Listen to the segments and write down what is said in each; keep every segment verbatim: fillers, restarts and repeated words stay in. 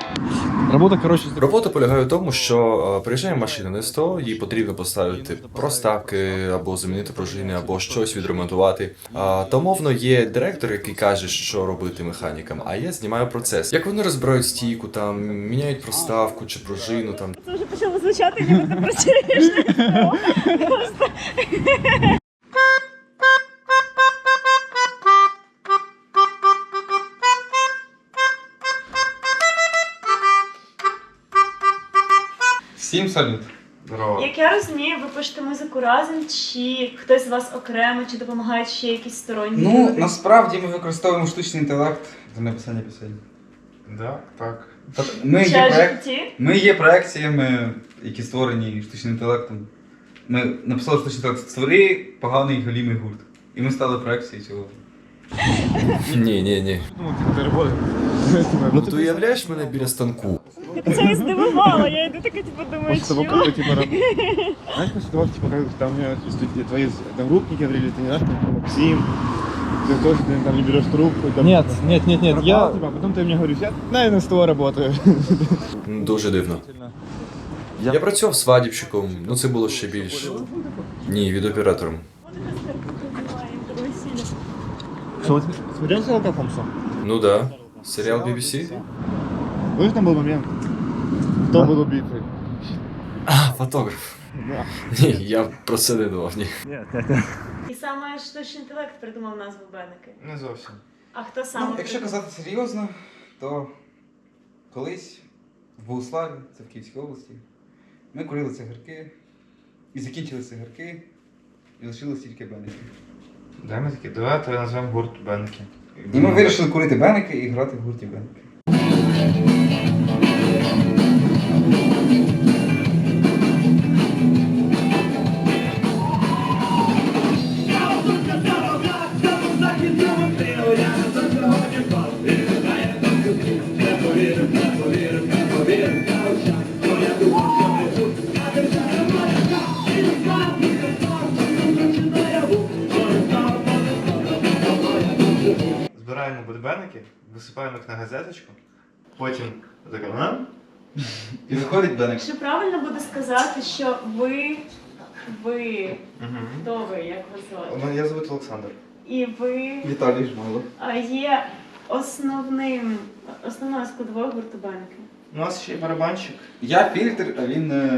Робота, коротше, Робота полягає в тому, що е, приїжджає машина на СТО, їй потрібно поставити проставки, або замінити пружини, або щось відремонтувати. А, та умовно є директор, який каже, що робити механікам, а я знімаю процес. Як вони розбирають стійку, там, міняють проставку чи пружину, там. Це вже почало звучати, ніби ти працюєш на СТО. Просто. Всім салют. Здорово. Як я розумію, ви пишете музику разом, чи хтось з вас окремо, чи допомагають ще якісь сторонні Ну, люди? насправді ми використовуємо штучний інтелект для написання пісень. Да, так. Тобто ми є, Чат проект... джі пі ті? ми є проекціями, які створені штучним інтелектом. Ми написали штучний інтелект «Створи поганий голімий гурт». І ми стали проекцією цього. Ні, ні, ні. Ну, ти роботи. Ну ти уявляєш мене біля станку? Це і здивувало, я йду така, типу, думаю, После того, чё? как ты, типа, раб- знаешь, после того, типа, как там у меня студ- твои одногруппники говорили, ты не знаешь, там, Максим, ты тоже ты, там не берешь трубку. Там, Нет, нет, нет, нет, пропал, я... типа, а потом ты мне говоришь, я, наверное, с тобой работаю. Дуже дивно. Я працював свадібщиком, ну це було ще більш. Ні, відеооператором. Что, вот смотрел Шерлока Холмса? Ну да. Серіал бі бі сі? Помнишь, там был момент, кто был убитый? А, фотограф. Да. Ні, я про це не думав, ні. Нет, нет, нет. І саме штучний інтелект придумав назву Бенники. Не зовсім. А хто саме? Ну, якщо придумав? казати серйозно, то колись в Богуславі, це в Київській області, ми курили цигарки, і закінчили цигарки, і лишилось тільки беники. Дай ми такі, давай то назвемо гурт Бенки. І ми вирішили курити беники і грати в гурті беники. Збираємо будбеники, висипаємо їх на газеточку, потім така нам. І виходить беник. Чи правильно буде сказати, що ви, ви, хто ви, як вас звати? Я звуть Олександр. І ви Віталій Жмайло. а, є основним, основною складовою гурту Бенники? У нас ще є барабанщик. Я фільтр, а він... е,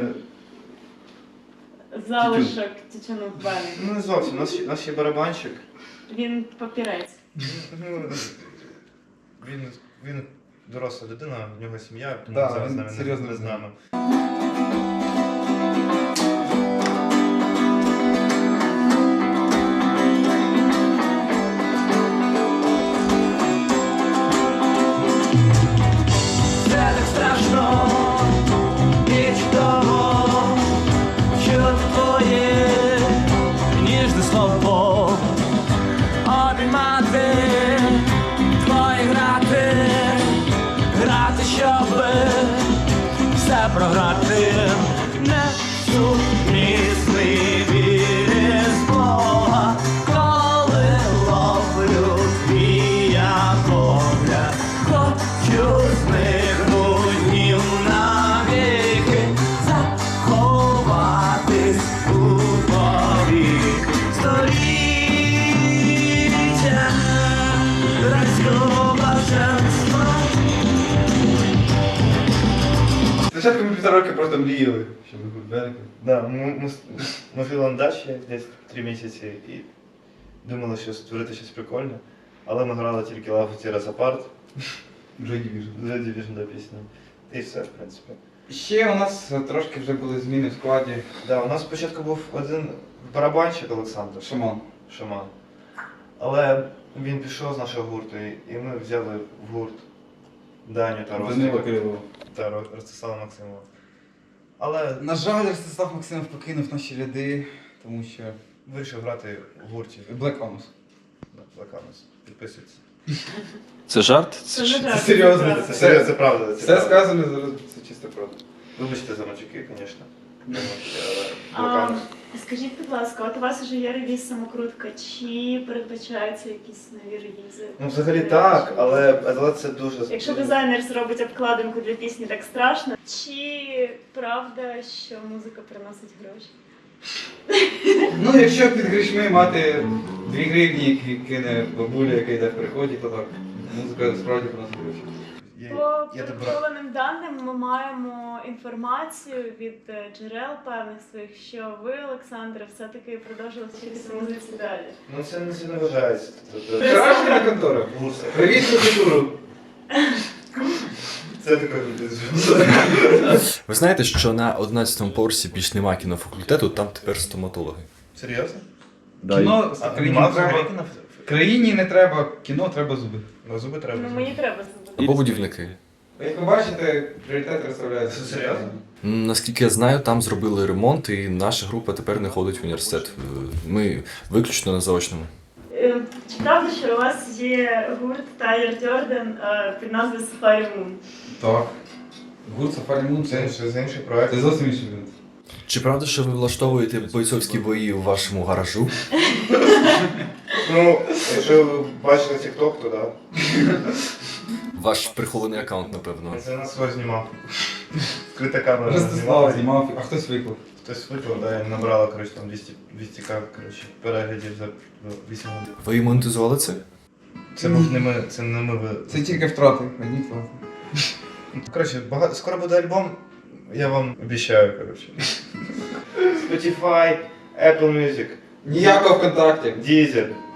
Залишок тютюну в Бенники. Ну не зовсім, у нас, ще- у нас ще є барабанщик. Він папірець. Ну, він, він доросла людина, в нього сім'я, тому Да, зараз він з нами не, серйозно не з нами. Це так страшно і чудово, що твоє ніжне слово обіймати, твої грати, грати, щоб все програти. Не сумісний віриш Бога, коли ловлю твій погляд. Хочу зникнуть днів навіки, заховатись у повік. Століття райського блаженства. Спочатку ми півтора роки просто мріяли, щоб ми гурт беники. Да, ми, ми, ми жили на дачі десь три місяці і думали, що створити щось прикольне, але ми грали тільки Love Tear Us Apart, Вже Division. вже Division до пісні. І все, в принципі. Ще у нас е, трошки вже були зміни в складі. Да, у нас спочатку був один барабанщик Олександр. Шаман. Шаман. Але він пішов з нашого гурту, і і ми взяли в гурт Даню та Данила Ростика Кирилова. та Ро- Ростислава Максимова. Але На жаль, Ростислав Максимов покинув наші ряди, тому що вирішив грати в гурті. Black Anus. Лаканус. Підписуйтесь. Це жарт? Це не жарт, серйозно, правда. Це серйозно, це правда. Це Все правда. сказане зараз, це чисто правда. Вибачте за матюки, звісно. Але А, скажіть, будь ласка, от у вас вже є реліз самокрутка, чи передбачаються якісь нові релізи? Ну, взагалі так, але, але це дуже... Якщо дизайнер зробить обкладинку для пісні, так страшно. Чи правда, що музика приносить гроші? Ну, якщо під грішми мати дві гривні, які кине бабуля, яка йде в приході, то так. Музика справді приносить гроші. Я, По я добра. підготовленим даним ми маємо інформацію від е, джерел певних своїх, що ви, Олександре, все-таки продовжили вчитися музиці далі. Ну це не сильно вважається. Тобто, Вчорашня контора. Бурса. Привіт, культуру. Це таке люди. Ви знаєте, що на одинадцятому поверсі більш нема кінофакультету, там тепер стоматологи. Серйозно? Кіно А країні нема не треба. взагалі кіно? Країні не треба, кіно треба зуби. Ну, зуби треба. Ну мені треба зробити. Або будівники. Як ви бачите, пріоритет розставляється. Це серйозно? М, Наскільки я знаю, там зробили ремонт, і наша група тепер не ходить в університет. Е, Ми виключно на заочному. Е, Чи правда, що у вас є гурт Тайлер Дьорден е, під назвою Safari Moon? Так. Гурт Safari Moon Це, це, це інший проект. це зовсім інший гурт. Чи правда, що ви влаштовуєте бойцовські бої у вашому гаражу? Ну, якщо ви бачили TikTok, то да. Ваш прихований аккаунт, напевно. Це нас свого знімав. Скрита камера Ростислав знімав, а хтось виклав. Хтось виклав, да, і набрала, коротше, там двісті, двісті к, коротше, переглядів за вісім годин. Ви монетизували це? Це був не ми, це не ми. ви- Це тільки втрати, одні втрати. Коротше, багато... скоро буде альбом, я вам обіцяю, коротше. Spotify, Apple Music, Ніякого ВКонтакті. Deezer,